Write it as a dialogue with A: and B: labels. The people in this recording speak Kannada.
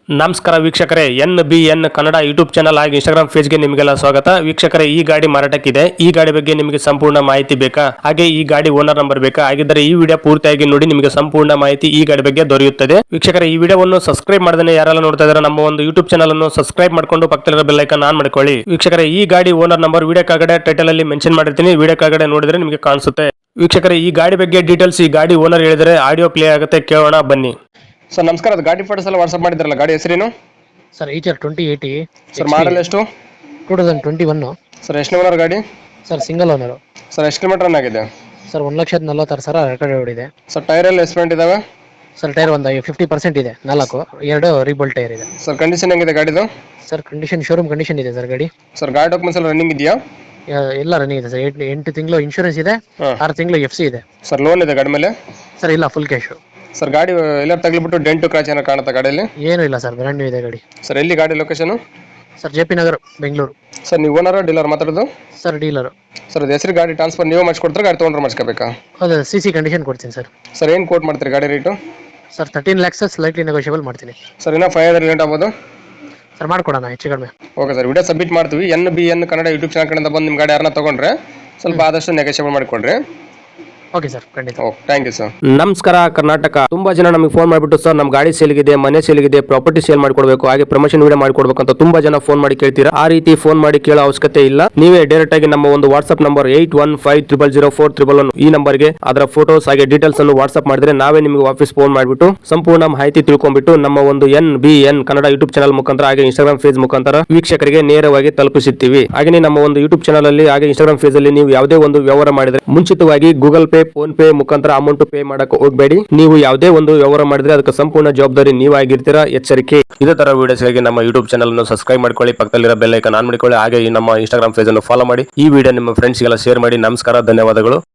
A: ನಮಸ್ಕಾರ ವೀಕ್ಷಕರೇ, NBN ಕನ್ನಡ ಯೂಟ್ಯೂಬ್ ಚಾನಲ್ ಹಾಗೂ ಇನ್ಸ್ಟಾಗ್ರಾಮ್ ಪೇಜ್ಗೆ ನಿಮಗೆಲ್ಲ ಸ್ವಾಗತ. ವೀಕ್ಷಕರೇ, ಈ ಗಾಡಿ ಮಾರಾಟಕ್ಕಿದೆ. ಈ ಗಾಡಿ ಬಗ್ಗೆ ನಿಮಗೆ ಸಂಪೂರ್ಣ ಮಾಹಿತಿ ಬೇಕಾ? ಹಾಗೆ ಈ ಗಾಡಿ ಓನರ್ ನಂಬರ್ ಬೇಕಾ? ಹಾಗಿದ್ದರೆ ಈ ವಿಡಿಯೋ ಪೂರ್ತಿಯಾಗಿ ನೋಡಿ, ನಿಮಗೆ ಸಂಪೂರ್ಣ ಮಾಹಿತಿ ಈ ಗಾಡಿ ಬಗ್ಗೆ ದೊರೆಯುತ್ತದೆ. ವೀಕ್ಷಕರೇ, ಈ ವಿಡಿಯೋವನ್ನು ಸಬ್ಸ್ಕ್ರೈಬ್ ಮಾಡದೇ ಯಾರೆಲ್ಲ ನೋಡ್ತಾ ಇದ್ದಾರೆ ನಮ್ಮ ಒಂದು ಯೂಟ್ಯೂಬ್ ಚಾನಲ್ ಅನ್ನು ಸಬ್ಸ್ಕ್ರೈಬ್ ಮಾಡ್ಕೊಂಡು ಪಕ್ಕದಲ್ಲಿರೋ ಬೆಲ್ ಐಕಾನ್ ಆನ್ ಮಾಡ್ಕೊಳ್ಳಿ. ವೀಕ್ಷಕರೇ, ಈ ಗಾಡಿ ಓನರ್ ನಂಬರ್ ವಿಡಿಯೋ ಕೆಳಗಡೆ ಟೈಟಲ್ ಅಲ್ಲಿ ಮೆನ್ಷನ್ ಮಾಡಿರ್ತೀನಿ, ವಿಡಿಯೋ ಕೆಳಗಡೆ ನೋಡಿದ್ರೆ ನಿಮಗೆ ಕಾಣಿಸುತ್ತೆ. ವೀಕ್ಷಕರೇ, ಈ ಗಾಡಿ ಬಗ್ಗೆ ಡೀಟೇಲ್ಸ್ ಈ ಗಾಡಿ ಓನರ್ ಹೇಳಿದರೆ ಆಡಿಯೋ ಪ್ಲೇ ಆಗುತ್ತೆ, ಕೇಳೋಣ ಬನ್ನಿ.
B: ಸರ್ ನಮಸ್ಕಾರ, ಅದು ಗಾಡಿ ಫೋಟೋಸ್ ಎಲ್ಲ ವಾಟ್ಸಪ್ ಮಾಡಿದ್ರಲ್ಲ, ಗಾಡಿ ಹೆಸರೇನು
C: ಸರ್? HR 2080
B: sir? ಮಾಡಲ್ ಎಷ್ಟು?
C: 2021
B: ಸರ್ ಎಷ್ಟು ಓನರ್ ಗಾಡಿ?
C: Sir single owner.
B: ಸರ್ ಎಷ್ಟು ಕಿಲೋಮೀಟರ್ ರನ್ ಆಗಿದೆ?
C: ಸರ್ 1,46,000 ರೆಕಾರ್ಡ್ ಓಡಿದೆ.
B: ಸರ್ ಟೈರ್ ಎಲ್ಲ ಎಸ್ಪೆಂಟ್ ಇದಾವೆ?
C: ಸರ್ ಟೈರ್ ಒಂದು 50% ಇದೆ, 2 ರೀಬೋಲ್ಟ್ ಟೈರ್ ಇದೆ.
B: ಸರ್ ಕಂಡೀಷನ್ ಹೆಂಗಿದೆ ಗಾಡಿದು?
C: ಸರ್ ಕಂಡೀಷನ್ ಶೋರೂಮ್ ಕಂಡೀಷನ್ ಇದೆ ಸರ್ ಗಾಡಿ.
B: ಸರ್ ಗಾಡಿ ಡಾಕ್ಯುಮೆಂಟ್ಸ್ ಎಲ್ಲ ರನ್ನಿಂಗ್ ಇದೆಯಾ?
C: ಎಲ್ಲ ರನ್ನಿಂಗ್ ಇದೆ ಸರ್. 8 ತಿಂಗಳು ಇನ್ಶೂರೆನ್ಸ್ ಇದೆ, 6 ತಿಂಗಳು FC ಇದೆ.
B: ಸರ್ ಲೋನ್ ಇದೆ ಗಾಡಿ ಮೇಲೆ?
C: ಸರ್ ಇಲ್ಲ, ಫುಲ್ ಕ್ಯಾಶ್.
B: ಸರ್ ಗಾಡಿ ಎಲ್ಲ ತಗ್ಲಿಬಿಟ್ಟು ಡೆಂಟು ಕ್ರಾಚ್ ಏನಾರು ಕಾಣುತ್ತಾ ಗಾಡಿಯಲ್ಲಿ?
C: ಏನೂ ಇಲ್ಲ ಸರ್, ಬ್ರ್ಯಾಂಡ್ ನ್ಯೂ ಇದೆ ಗಾಡಿ.
B: ಸರ್ ಎಲ್ಲಿ ಗಾಡಿ location?
C: Sir JP Nagar, Bengaluru.
B: Sir ನೀವು ಓನರ್ ಡೀಲರ್ ಮಾತಾಡೋದು?
C: Sir dealer.
B: ಸರ್ ಅದು ಹೆಸರು ಗಾಡಿ ಟ್ರಾನ್ಸ್ಫರ್ ನೀವು ಮಾಡಿಸ್ಕೊಡ್ತಾರೆ, ಗಾಡಿ ತೊಗೊಂಡ್ರೆ ಮಾಡಿಸ್ಕೋಬೇಕಾ?
C: ಹೌದು, CC ಕಂಡೀಷನ್ ಕೊಡ್ತೀನಿ ಸರ್.
B: ಸರ್ ಏನು ಕೋಟ್ ಮಾಡ್ತೀರಿ ಗಾಡಿ rate?
C: Sir 13 lakhs slightly negotiable ಮಾಡ್ತೀನಿ.
B: ಸರ್ ಇನ್ನೂ 500 ಲೇಟ್ ಆಗ್ಬೋದು?
C: ಸರ್ ಮಾಡ್ಕೊಡೋಣ ಹೆಚ್ಚು ಕಡಿಮೆ.
B: ಓಕೆ ಸರ್, ವಿಡಿಯೋ ಸಬ್ಮಿಟ್ ಮಾಡ್ತೀವಿ. NBN ಕನ್ನಡ ಯೂಟ್ಯೂಬ್ ಚಾನಲ್ ಕಡೆಯಿಂದ ಬಂದು ನಿಮ್ಮ ಗಾಡಿ ಯಾರನ್ನ ತೊಗೊಂಡ್ರೆ ಸ್ವಲ್ಪ ಆದಷ್ಟು ನೆಗೋಷಿಯೇಬಲ್ ಮಾಡಿಕೊಡ್ರಿ.
C: ಓಕೆ ಸರ್, ಖಂಡಿತ.
B: Thank you sir.
A: ನಮಸ್ಕಾರ ಕರ್ನಾಟಕ. ತುಂಬಾ ಜನ ನಮಗೆ ಫೋನ್ ಮಾಡಿಬಿಟ್ಟು, ಸರ್ ನಮ್ಮ ಗಾಡಿ ಸೇಲ್ಗಿದೆ, ಮನೆ ಸೇಲ್ಗಿದೆ, ಪ್ರಾಪರ್ಟಿ ಸೇಲ್ ಮಾಡ್ಕೊಡ್ಬೇಕು, ಹಾಗೆ ಪ್ರಮೋಷನ್ ವಿಡಿಯೋ ಮಾಡ್ಕೊಡ್ಬೇಕು ಅಂತ ತುಂಬಾ ಜನ ಫೋನ್ ಮಾಡಿ ಕೇಳ್ತೀರಾ. ಆ ರೀತಿ ಫೋನ್ ಮಾಡಿ ಕೇಳೋ ಅವಶ್ಯಕತೆ ಇಲ್ಲ. ನೀವೇ ಡೈರೆಕ್ಟ್ ಆಗಿ ನಮ್ಮ ಒಂದು ವಾಟ್ಸ್ಆಪ್ ನಂಬರ್ 81500411 ಈ ನಂಬರ್ಗೆ ಅದರ ಫೋಟೋಸ್ ಹಾಗೆ ಡೀಟೇಲ್ಸ್ ಅನ್ನು ವಾಟ್ಸ್ಆಪ್ ಮಾಡಿದ್ರೆ ನಾವೇ ನಿಮಗೆ ವಾಪಸ್ ಫೋನ್ ಮಾಡಿಬಿಟ್ಟು ಸಂಪೂರ್ಣ ಮಾಹಿತಿ ತಿಳ್ಕೊಂಡ್ಬಿಟ್ಟು ನಮ್ಮ ಒಂದು NBN ಕನ್ನಡ ಯೂಟ್ಯೂಬ್ ಚಾನಲ್ ಮುಖಾಂತರ ಹಾಗೆ ಇನ್ಸ್ಟಾಗ್ರಾಮ್ ಪೇಜ್ ಮುಖಾಂತರ ವೀಕ್ಷಕರಿಗೆ ನೇರವಾಗಿ ತಲುಪಿಸುತ್ತೀವಿ. ಹಾಗೆ ನಮ್ಮ ಒಂದು ಯೂಟ್ಯೂಬ್ ಚಾನಲ್ ಅಲ್ಲಿ ಹಾಗೆ ಇನ್ಸ್ಟಾಗ್ರಾಮ್ ಪೇಜ್ ಅಲ್ಲಿ ನೀವು ಯಾವುದೇ ಒಂದು ವ್ಯವಹಾರ ಮಾಡಿದ್ರೆ ಮುಂಚಿತವಾಗಿ ಗೂಗಲ್ ಪೇ, ಫೋನ್ ಪೇ ಮುಖಾಂತರ ಅಮೌಂಟ್ ಪೇ ಮಾಡಕ್ಕೆ ಹೋಗಬೇಡಿ. ನೀವು ಯಾವುದೇ ಒಂದು ವ್ಯವಹಾರ ಮಾಡಿದ್ರೆ ಅದಕ್ಕೆ ಸಂಪೂರ್ಣ ಜವಾಬ್ದಾರಿ ನೀವಾಗಿರ್ತೀರಾ, ಎಚ್ಚರಿಕೆ. ಇದೇ ತರ ವಿಡಿಯೋಸ್ಗಾಗಿ ನಮ್ಮ ಯೂಟ್ಯೂಬ್ ಚಾನಲ್ ಅನ್ನು ಸಬ್ಸ್ಕ್ರೈಬ್ ಮಾಡ್ಕೊಳ್ಳಿ, ಪಕ್ಕದಲ್ಲಿರೋ ಬೆಲ್ ಐಕಾನ್ ಆನ್ ಮಾಡಿಕೊಳ್ಳಿ, ಹಾಗೆ ನಮ್ಮ ಇನ್ಸ್ಟಾಗ್ರಾಮ್ ಪೇಜ್ ಅನ್ನು ಫಾಲೋ ಮಾಡಿ. ಈ ವಿಡಿಯೋ ನಿಮ್ಮ ಫ್ರೆಂಡ್ಸ್ಗೆಲ್ಲ ಶೇರ್ ಮಾಡಿ. ನಮಸ್ಕಾರ, ಧನ್ಯವಾದಗಳು.